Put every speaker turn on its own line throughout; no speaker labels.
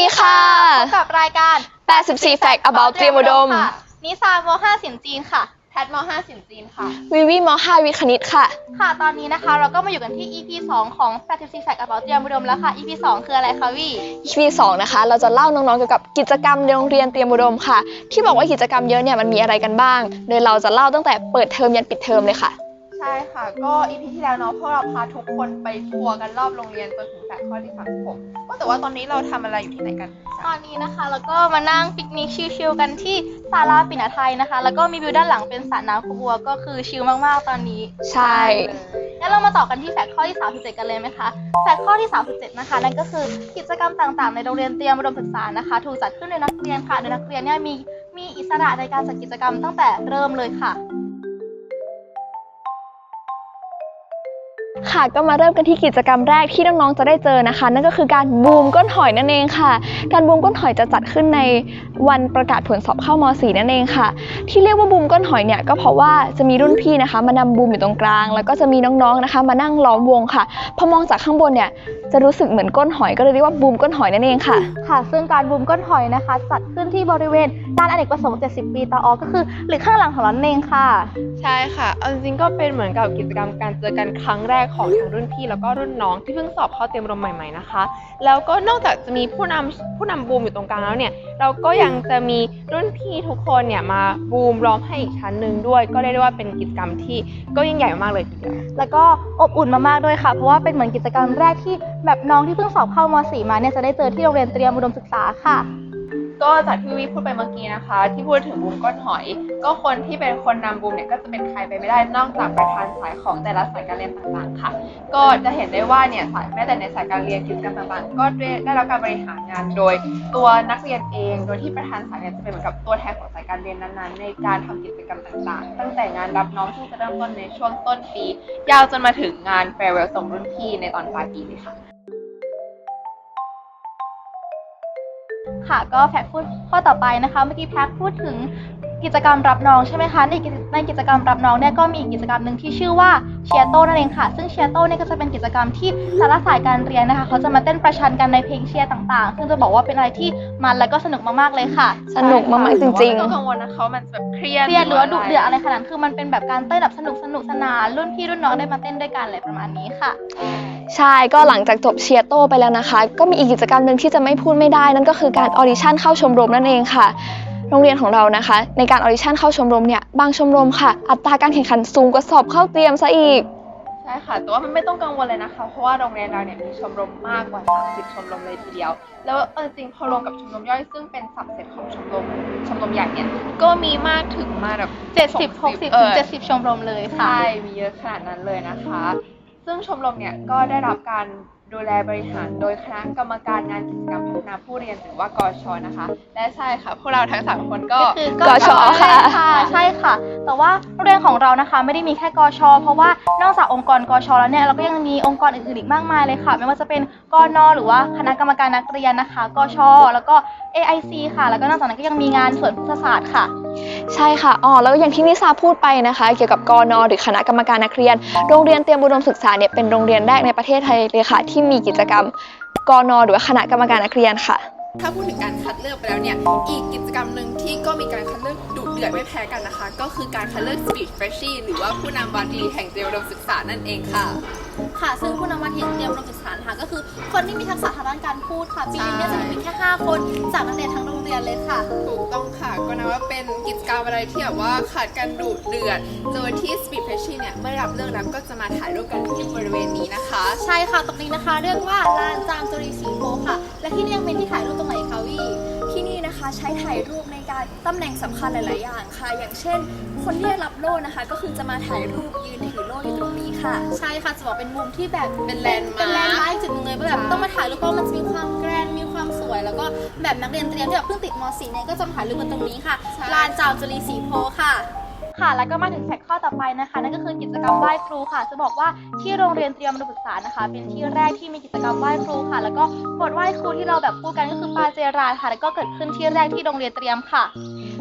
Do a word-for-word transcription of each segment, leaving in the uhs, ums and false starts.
ดีค่ะ
พบกับรายการ
แปดสิบสี่ Fact About เตรียมอุดม
ค่ะนิสามห้าสินจีนค่ะ
แพทมห้าสินจีนค่ะ
วิวีมห้าวิทย์คณิตค่ะ
ค่ะตอนนี้นะคะเราก็มาอยู่กันที่ อี พี สองของแปดสิบสี่ Fact About เตรียมอุดมแล้วค่ะ อี พี สองคืออะไรคะวี่
อี พี สองนะคะเราจะเล่าน้องๆเกี่ยวกับกิจกรรมในโรงเรียนเตรียมอุดมค่ะที่บอกว่ากิจกรรมเยอะเนี่ยมันมีอะไรกันบ้างโดยเราจะเล่าตั้งแต่เปิดเทอมยันปิดเทอมเลยค่ะ
ใช่ค่ะก็ อี พี ที่แล้วเนาะพวกเราพาทุกคนไปทัวร์กันรอบโรงเรียนจนถึงแฟกต์ข้อที่สามสิบหกก็แต่ว่าตอนนี้เราทำอะไรอยู่ที่ไหนกัน
ตอนนี้นะคะแล้วก็มานั่งปิกนิกชิลๆกันที่ศาลาปิ่นไทยนะคะแล้วก็มีวิวด้านหลังเป็นสระน้ำขบัวก็คือชิลมากๆตอนนี้
ใช่
งั้นเรามาต่อกันที่แฟกต์ข้อที่สามสิบเจ็ดกันเลยไหมคะแฟกต์ข้อที่สามสิบเจ็ดนะคะนั่นก็คือกิจกรรมต่างๆในโรงเรียนเตรียมอุดมศึกษานะคะถูกจัดขึ้นโดยนักเรียนค่ะโดยนักเรียนเนี่ยมีมีอิสระในการจัดกิจกรรมตั้งแต่เริ่มเลยค่ะ
ค่ะก็มาเริ่มกันที่กิจกรรมแรกที่น้องๆจะได้เจอนะคะนั่นก็คือการบูมก้นหอยนั่นเองค่ะการบูมก้นหอยจะจัดขึ้นในวันประกาศผลสอบเข้าม.สี่ นั่นเองค่ะที่เรียกว่าบูมก้นหอยเนี่ยก็เพราะว่าจะมีรุ่นพี่นะคะมานำบูมอยู่ตรงกลางแล้วก็จะมีน้องๆนะคะมานั่งล้อมวงค่ะพอมองจากข้างบนเนี่ยจะรู้สึกเหมือนก้นหอยก็เลยเรียกว่าบูมก้นหอยนั่นเองค่ะ
ค่ะซึ่งการบูมก้นหอยนะคะจัดขึ้นที่บริเวณลานอเนกประสงค์เจ็ดสิบปีตอก็คือหรือข้างหลังของเราเองค่ะ
ใช่ค่ะเอาจริงๆก็เป็นเหมือนกับกิจกรรมการเจอกันครั้งแรกของทั้งรุ่นพี่แล้วก็รุ่นน้องที่เพิ่งสอบเข้าเตรียมอุดมใหม่ๆนะคะแล้วก็นอกจากจะมีผู้นำผู้นำบูมอยู่ตรงกลางแล้วเนี่ยเราก็ยังจะมีรุ่นพี่ทุกคนเนี่ยมาบูมล้อมให้อีกชั้นหนึ่งด้วยก็เรียกได้ว่าเป็นกิจกรรมที่ก็ยิ่งใหญ่มากเลยทีเดียว
แล้วก็อบอุ่นมากๆด้วยค่ะเพราะว่าเป็นเหมือนกิจกรรมแรกที่แบบน้องที่เพิ่งสอบเข้าม.สี่ มาเนี่ยจะได้เจอที่โรงเรียนเตรียมอุดมศึกษาค่ะ
ก็จากที่วิพูดไปเมื่อกี้นะคะที่พูดถึงบูมก้นหอยก็คนที่เป็นคนนำบูมเนี่ยก็จะเป็นใครไปไม่ได้นอกจากประธานสายของแต่ละสายการเรียนต่างๆค่ะก็จะเห็นได้ว่าเนี่ยสายแม้แต่ในสายการเรียนกิจกรรมต่างๆก็ได้รับการบริหารงานโดยตัวนักเรียนเองโดยที่ประธานสายเนี่ยจะเป็นเหมือนกับตัวแทนของสายการเรียนนั้นๆในการทำกิจกรรมต่างๆตั้งแต่งานรับน้องซึ่งจะเริ่มต้นในช่วงต้นปียาวจนมาถึงงานแฟร์เวลส่งรุ่นพี่ในตอนปลายปีเลยค่ะ
ค่ะก็แพทพูดข้อต่อไปนะคะเมื่อกี้แพทพูดถึงกิจกรรมรับน้องใช่ไหมคะในในกิจกรรมรับน้องเนี่ยก็มีอีกกิจกรรมหนึ่งที่ชื่อว่าเชียร์โต้นั่นเองค่ะซึ่งเชียร์โต้เนี่ยก็จะเป็นกิจกรรมที่แต่ละสายการเรียนนะคะเขาจะมาเต้นประชันกันในเพลงเชียร์ต่างๆซึ่งจะบอกว่าเป็นอะไรที่มันและก็สนุกมากๆเลยค่ะ
สนุกมากๆจริงๆ
ไม่ต้องกังวลนะคะมันแบบเครียด
เครียดหรือว่าดุเดือดอะไรขนาดนั้นคือมันเป็นแบบการเต้นแบบสนุกสนุกสนานรุ่นพี่รุ่นน้องได้มาเต้นด้วยกันอะไรประมาณนี้ค่ะ
ใช่ก็หลังจากจบเชียร์โต้ไปแล้วนะคะก็มีอีกกิจกรรมหนึ่งที่จะไม่พูดไม่ได้นั่นก็คือการออดิชั่นเข้าชมรมนั่นเองค่ะโรงเรียนของเรานะคะในการออดิชั่นเข้าชมรมเนี่ยบางชมรมค่ะอัตราการแข่งขันสูงกว่าสอบเข้าเตรียมซะอีก
ใช่ค่ะแต่ว่ามันไม่ต้องกังวลเลยนะคะเพราะว่าโรงเรียนเราเนี่ยมีชมรมมากกว่าสามสิบชมรมเลยทีเดียวแล้วเออจริงพอรวมกับชมรมย่อยซึ่งเป็นสับเซตของชมรมชมรมใหญ่เนี่ยก็มีมากถึงมาแบบ
เจ็ดสิบ หกสิบถึงเจ็ดสิบชมรมเลยค่ะ
ใช่มีเยอะขนาดนั้นเลยนะคะซึ่งชมรมเนี่ยก็ได้รับการดูแลบริหารโดยคณะกรรมการงานกิจกรรมพัฒนาผู้เรียนหรือว่ากช.นะคะและใช่ค่ะพวกเราทั้งสามคนก็
คือกช.ค่ะใช่ค่ะแต่ว่าโรงเรียนของเรานะคะไม่ได้มีแค่กช.เพราะว่านอกจากองค์กรกช.แล้วเนี่ยเราก็ยังมีองค์กรอื่นๆอีกมากมายเลยค่ะไม่ว่าจะเป็นกน.หรือว่าคณะกรรมการนักเรียนนะคะกช.แล้วก็ เอ ไอ ซี ค่ะแล้วก็นอกจากนั้นก็ยังมีงานสวนพฤกษศาสตร์ค่ะ
ใช่ค่ะอ๋อแล้วอย่างที่นิสาพูดไปนะคะเกี่ยวกับกน.หรือคณะกรรมการนักเรียนโรงเรียนเตรียมอุดมศึกษาเนี่ยเป็นโรงเรียนแรกในประเทศไทยเลยค่ะที่มีกิจกรรมกน.หรือว่าคณะกรรมการนักเรียนค่ะ
ถ้าพูดถึงการคัดเลือกไปแล้วเนี่ยอีกกิจกรรมหนึ่งที่ก็มีการคัดเลือกดุเดือดไม่แพ้กันนะคะก็คือการคัดเลือก Speech Freshie หรือว่าผู้นำวันดีแห่งเตรียมอุดมศึกษานั่นเองค่ะ
ค่ะซึ่งผู้นำวันดีเตรียมอุดมศึกษาค่ะก็คือคนที่มีทักษะทางด้านการพูดค่ะปีนี้เนี่ยจะมีแค่ห้าคนจากนักเรียนทั้งโรงเรียนเลยค่ะ
ถูกต้องค่ะก็นับว่าเป็นกิจกรรมอะไรที่แบบว่าขาดกันดุเดือดโดยที่ Speech Freshie เนี่ยเมื่อรับเลือกแล้วก็จะมาถ่ายรูปกันที่บริเวณนี้นะคะ
ใช่ค่ะตรงนี้นะคะเรียกว่าลานจามจุรีศรีโพค่ะและที่นี่ยังเป็นที่ถ่ายรูปตรงไหนคะวี่
ที่นี่นะคะใช้ถ่ายรูปในการตำแหน่งสำคัญหลายๆอย่างค่ะอย่างเช่นคนที่ได้รับโล่นะคะก็คือจะมาถ่ายรูปยืนถือโล่อยู่ตรงนี้ค่ะ
ใช่ค่ะจะบอกเป็นมุมที่แบบ
เป็นแลนด์มาร์ค
เป็นแลนด์มาร์คจุดนึงเลยแบบต้องมาถ่ายรูปเพราะมันจะมีความแกรนด์มีความสวยแล้วก็แบบนักเรียนเตรียมที่แบบเพิ่งติดม.สี่ เนี่ยก็จะมาถ่ายรูปกันตรงนี้ค่ะลานจามจุรีศรีโพค่ะ
ค่ะแล้วก็มาถึงแฟกต์ข้อต่อไปนะคะนั่นก็คือกิจกรรมไหว้ครูค่ะจะบอกว่าที่โรงเรียนเตรียมอุดมศึกษานะคะเป็นที่แรกที่มีกิจกรรมไหว้ครูค่ะแล้วก็บทไหว้ครูที่เราแบบพูดกันก็คือปาเจราค่ะแล้วก็เกิดขึ้นที่แรกที่โรงเรียนเตรียมค่ะ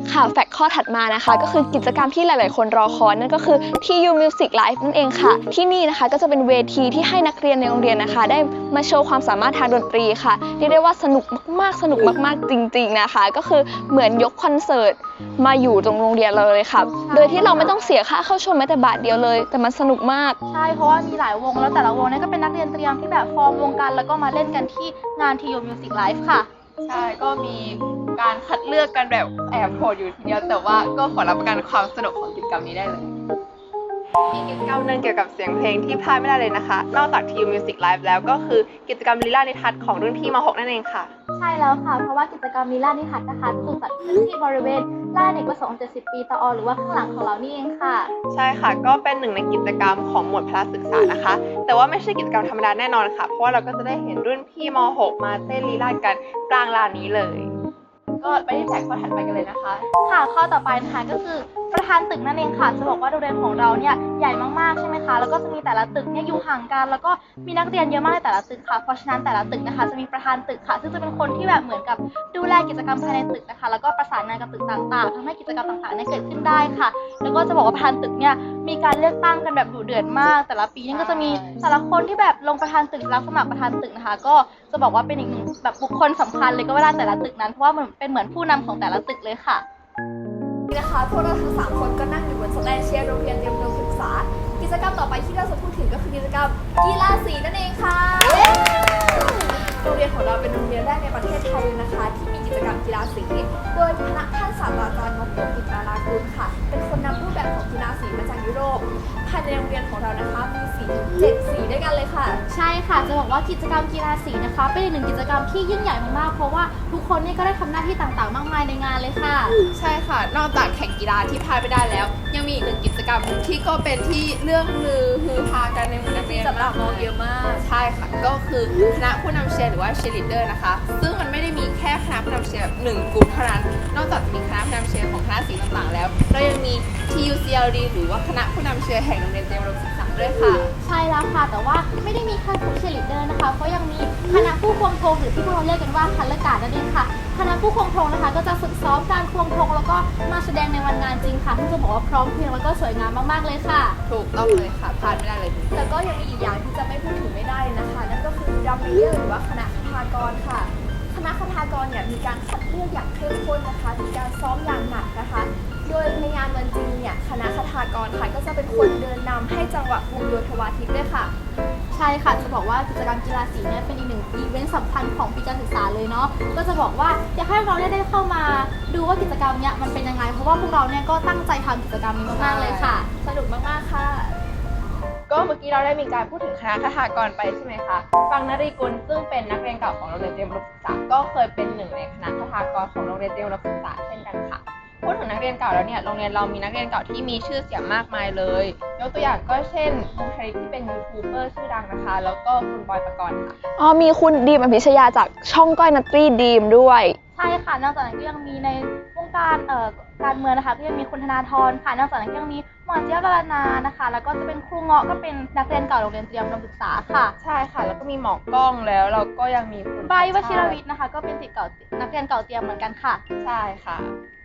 ค่ะแฟกต์ข้อถัดมานะคะก็คือกิจกรรมที่หลาย ๆ คนรอคอยนั่นก็คือ ที ยู Music Live นั่นเองค่ะที่นี่นะคะก็จะเป็นเวทีที่ให้นักเรียนในโรงเรียนนะคะได้มาโชว์ความสามารถทางดนตรีค่ะเรียกได้ว่าสนุกมากๆสนุกมากๆจริง ๆ นะคะก็คือเหมือนยกคอนเสิร์ตมาอยู่ตรงโรงเรียนเราเลยค่ะโดยที่เราไม่ต้องเสียค่าเข้าชมแม้แต่บาทเดียวเลยแต่มันสนุกมาก
ใช่เพราะว่ามีหลายวงแล้วแต่ละวงเนี่ยก็เป็นนักเรียนเตรียมที่แบบฟอร์มวงกันแล้วก็มาเล่นกันที่งาน ที ยู Music Live ค่ะ
ใช่ก็มีการคัดเลือกกันแบบแอบโหดอยู่ทีเดียวแต่ว่าก็ขอรับประกันความสนุกของกิจกรรมนี้ได้เลยมีกิจกรรมหนึ่งเกี่ยวกับเสียงเพลงที่พลาดไม่ได้เลยนะคะนอกจาก ที ยู Music Live แล้วก็คือกิจกรรมลีลานิทัศน์ของรุ่นพี่ม .หก นั่นเองค่ะ
ใช่แล้วค่ะเพราะว่ากิจกรรมลีลานิทัศน์นะคะถูกจัดขึ้นที่บริเวณลานอเนกประสงค์เจ็ดสิบปีตอหรือว่าข้างหลังของเรานี่เองค่ะ
ใช่ค่ะก็เป็นหนึ่งในกิจกรรมของหมวดพละศึกษานะคะ แต่ว่าไม่ใช่กิจกรรมธรรมดาแน่นอนค่ะเพราะว่าเราก็จะได้เห็นรุ่นพี่ม .หก มาเต้นลีลากันกลางลานนี้เลยก็ไปที่แท็กข้อถัดไปกันเลยนะคะ
ค่ะข้อต่อไปนะคะก็คือประธานตึกนั่นเองค่ะจะบอกว่าโรงเรียนของเราเนี่ยใหญ่มากๆใช่ไหมคะแล้วก็จะมีแต่ละตึกเนี่ยอยู่ห่างกันแล้วก็มีนักเรียนเยอะมากในแต่ละตึกค่ะเพราะฉะนั้นแต่ละตึกนะคะจะมีประธานตึกค่ะซึ่งจะเป็นคนที่แบบเหมือนกับดูแลกิจกรรมภายในตึกนะคะแล้วก็ประสานงานกับตึกต่างๆทำให้กิจกรรมต่างๆเนี่ยเกิดขึ้นได้ค่ะแล้วก็จะบอกว่าประธานตึกเนี่ยมีการเลือกตั้งกันแบบดุเดือดมาก แต่ละปีเนี่ยก็จะมีแต่ละคนที่แบบลงประธานตึกรับสมัครประธานตึกนะคะก็จะบอกว่าเป็นอีกหนึ่งแบบบุคคลสำคัญเลยก็ว่าได้แต่ละตึกนั้นเพราะว่ามันเป็นเหมือนผู้นำของแต่ละตึกเลยค่ะ
นี่นะคะพวกเราทั้งสามคนก็นั่งอยู่บนสแตนเชียร์โรงเรียนเตรียมอุดมศึกษากิจกรรมต่อไปที่เราจะพูดถึงก็คือกิจกรรมกีฬาสีนั่นเองค่ะโรงเรียนของเราเป็นโรงเรียนแรกในประเทศไทยเลยนะคะที่มีกิจกรรมกีฬาสีโดยคณะท่านศาสตราจารย์นพดลกิจมาลากุลค่ะเป็นคนนำรูปแบบของกีฬาสีมาจากยุโรปภายในโรงเรียนของเรานะคะมีสีเจ็ดสีด้วยกันเลยค่ะ
ใช่ค่ะจะบอกว่ากิจกรรมกีฬาสีนะคะเป็นอีกหนึ่งกิจกรรมที่ยิ่งใหญ่มากๆเพราะว่าทุกคนเนี่ยก็ได้ทำหน้าที่ต่างๆมากมายในงานเลยค่ะ
ใช่ค่ะ นอกจากแข่งกีฬาที่พลาดไม่ได้แล้ว ยังมีอีกหนึ่งกิจกรรมที่ก็เป็นที่เรื่องลือฮือฮากันในหมู่นักเรียน
จับตามองเยอะมาก
ใช่ค่ะ ก็คือคณะผู้นำเชียร์หรือว่าเชียร์ลีดเดอร์นะคะ ซึ่งมันไม่ได้มีแค่คณะผู้นำเชียร์แบบหนึ่งกลุ่มเท่านั้น นอกจากจะมีคณะผู้นำเชียร์ของคณะสีต่างๆแล้วเรายังมี ที ยู ซี แอล ดี หรือว่าคณะผู้นำเชียร์แห่งโรงเรียนเตรียมอุดมศึกษาด้วยค่ะ
ใช่แล้วค่ะแต่ว่าไม่ได้มีแค่ผู้เชียร์ลีดเดอร์นะคะเพราะยังมีคณะผู้ควงธงหรือที่พวกเราเรียกกันว่าคันละกาดนั่นเองค่ะคณะผู้ควงธงนะคะก็จะฝึกซ้อมการควงธงแล้วก็มาแสดงในวันงานจริงค่ะที่จะบอกว่าพร้อมเพรียงแล้วก็สวยงามมากๆเลยค่ะ
ถูกต้องเลยค่ะพลาดไม่ได้เลย
แล้วก็ยังมีอีกอย่างที่จะไม่พูดถึงไม่ได้เลยนะคะนั่นก็คือดัมเมเยอร์หรือว่าคณะคทากรค่ะคณะคทากรเนี่ยมีการคัดเลือกอย่างเข้มข้นนะคะมีการซ้อมอย่างหนักนะคะโดยในงานวันจริงเนี่ยคณะคทากรค่ะก็จะเป็นคนเดินนำให้จังหวะวงโยธวาทิตด้วยค่ะ
ใช่ค่ะจะบอกว่ากิจกรรมกีฬาสีเนี่ยเป็นอีกหนึ่งอีเวนต์สำคัญของปีการศึกษาเลยเนาะก็จะบอกว่าอยากให้เราเนี่ยได้เข้ามาดูว่ากิจกรรมเนี่ยมันเป็นยังไงเพราะว่าพวกเราเนี่ยก็ตั้งใจทำกิจกรรมนี้มากๆเลยค่ะ
สนุกมากๆค่ะ
ก็เมื่อกี้เราได้มีการพูดถึงคณะคทากรไปใช่ไหมคะฟังนรีกุลซึ่งเป็นนักเรียนเก่าของโรงเรียนเตรียมอุดมศึกษาก็เคยเป็นหนึ่งในคณะคทากรของโรงเรียนเตรียมอุดมศึกษาเช่นกันค่ะพูดถึงนักเรียนเก่าแล้วเนี่ยโรงเรียนเรามีนักเรียนเก่าที่มีชื่อเสียงมากมายเลยยกตัวอย่างก็เช่นคุณชริตที่เป็นยูทูบเบอร์ชื่อดังนะคะแล้วก็คุณบอยปกรณ์ค่ะ
อ๋อมีคุณดีมอภิชยาจากช่องก้อยนัตตี้ดีมด้วย
ใช่ค่ะนอกจากนั้นก็ยังมีในวงการเอ่อการเมืองนะคะก็ยังมีคุณธนาธรค่ะนอกจากนั้นก็ยังมีหมอเจี๊ยบดารานานะคะแล้วก็จะเป็นครูเงาะก็เป็นนักเรียนเก่าโรงเรียนเตรียมอุดมศึกษาค่ะ
ใช่ค่ะแล้วก็มีหมอกล้องแล้วเราก็ยังมีคุณ
ใบวชิรวิทย์นะคะก็เป็นศิษย์เก่านักเรียนเก่าเตรียมเหมือนกันค่ะ
ใช่ค่ะ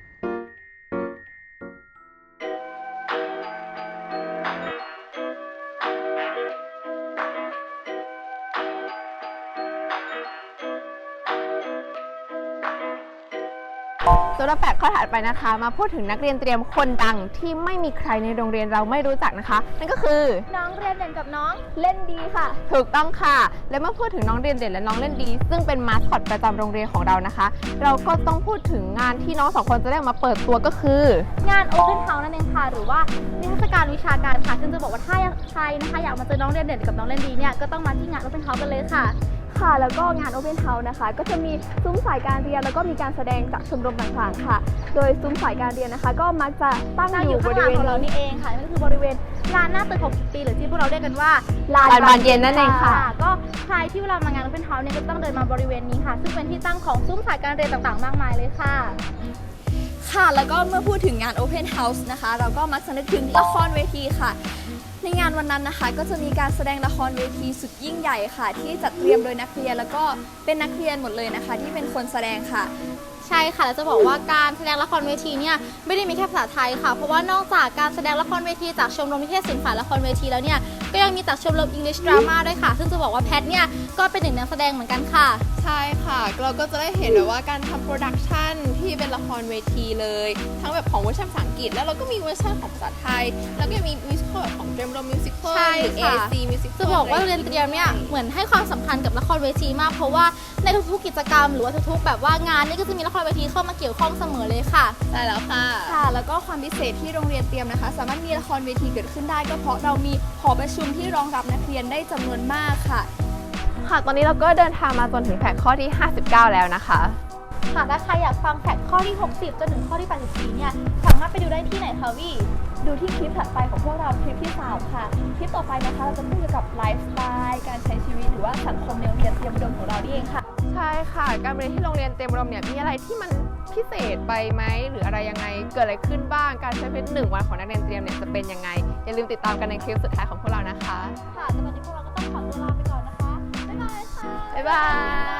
สำหรับแปดข้อถัดไปนะคะมาพูดถึงนักเรียนเตรียมคนดังที่ไม่มีใครในโรงเรียนเราไม่รู้จักนะคะนั่นก็คือ
น้องเรียนเด่นกับน้อง
เล่นดีค่ะ
ถูกต้องค่ะและเมื่อพูดถึงน้องเรียนเด่นและน้องเล่นดี ซึ่งเป็นมาสคอตประจำโรงเรียนของเรานะคะ เราก็ต้องพูดถึงงานที่น้องสองคนจะได้มาเปิดตัวก็คือง
าน Open House นั่นเองค่ะหรือว่านิทรรศการวิชาการค่ะซึ่งจะบอกว่าถ้าใครนะคะอยากมาเจอน้องเรียนเด่นกับน้องเล่นดีเนี่ยก็ต้องมาที่งาน Open House กันเลยค่ะ
ค่ะแล้วก็งาน Open House นะคะก็จะมีซุ้มสายการเรียนแล้วก็มีการแสดงจากชมรมต่างๆค่ะ โดยซุ้มสายการเรียนนะคะ ก็มักจะตั้ง
ตั้ง
อ
อยู่
ยู่บ
ข้างห
ริ
ลัง
เวณ
ของเรานี่เองค่ะนั่นก็คือบริเวณลานหน้าตึกหกสิบปีหรือที่พวกเราเรียกกันว่า
ลาน
ลานบานเย็นนั่นเองค่ะ
ก็ใครที่เวลามางาน Open House เนี่ยก็ต้องเดินมาบริเวณนี้ค่ะ ซึ่งเป็นที่ตั้งของซุ้มสายการเรียนต่างๆ มากมายเลยค่ะ
ค่ะแล้วก็เมื่อพูดถึงงาน Open House นะคะ เราก็มักจะนึกถึงละครเวทีค่ะในงานวันนั้นนะคะก็จะมีการแสดงละครเวทีสุดยิ่งใหญ่ค่ะ ที่จัดเตรียมโดยนักเรียนแล้วก็เป็นนักเรียนหมดเลยนะคะ ที่เป็นคนแสดงค่ะ
ใช่ค่ะแล้วจะบอกว่าการแสดงละครเวทีเนี่ยไม่ได้มีแค่ภาษาไทยค่ะเพราะว่านอกจากการแสดงละครเวทีจากชมรมนิเทศศิลป์ฝ่ายละครเวทีแล้วเนี่ยก็ยังมีจากชมรม English Drama ด้วยค่ะซึ่งจะบอกว่าแพทเนี่ยก็เป็นหนึ่งนักแสดงเหมือนกันค่ะ
ใช่ค่ะ เราก็จะได้เห็นแบบว่าการทำโปรดักชันที่เป็นละครเวทีเลย ทั้งแบบของเวอร์ชันภาษาอังกฤษแล้วเราก็มีเวอร์ชันของภาษาไทย แล้วก็ยังมีมิวสิควลแบบของเดมโรมิวสิควล
ใช่
หรือ
ค่ะ
เอ ซี มิวสิควล
จะบอกว่าเรียนเตรียมเนี่ยเหมือนให้ความสำคัญกับละครเวทีมาก เพราะว่าในทุกๆกิจกรรมหรือว่าทุกๆแบบว่างานนี่ก็จะมีละครเวทีเข้ามาเกี่ยวข้องเสมอเลยค่ะ
ใช่แล้วค่ะ
ค่ะ แล้วก็ความพิเศษที่โรงเรียนเตรียมนะคะ สามารถมีละครเวทีเกิดขึ้นได้ก็เพราะเรามีหอประชุมที่รองรับนักเรียนได้จำนวนมากค่ะ
ค่ะ ตอนนี้เราก็เดินทางมาจนถึงแฟกต์ข้อที่ ห้าสิบเก้า แล้วนะคะ
ค่ะถ้าใครอยากฟังแฟกต์ข้อที่ หกสิบ จนถึงข้อที่ แปดสิบสี่ เนี่ยสามารถไปดูได้ที่ไหนคะวี่
ดูที่คลิปถัดไปของพวกเราคลิปที่สามค่ะ คลิปต่อไปนะคะเราจะพูดเกี่ยวกับไลฟ์สไตล์การใช้ชีวิตหรือว่าสังคมในโรงเรียนเตรียมอุดมของเรานี่เองค่ะ
ใช่ค่ะ การเรียนที่โรงเรียนเตรียมอุดมเนี่ยมีอะไรที่มันพิเศษไปไหมหรืออะไรยังไงเกิดอะไรขึ้นบ้างการใช้ชีวิตหนึ่งวันของนักเรียนเตรียมเนี่ยจะเป็นยังไงอย่าลืมติดตามกันในคลิปสุดท้ายของพวกเรานะคะ
ค่ะแต่ตอนนี้พวกเราก็ต้องขอตัวลาไปก่อนนะคะ บ๊ายบายค่ะ
บ๊ายบาย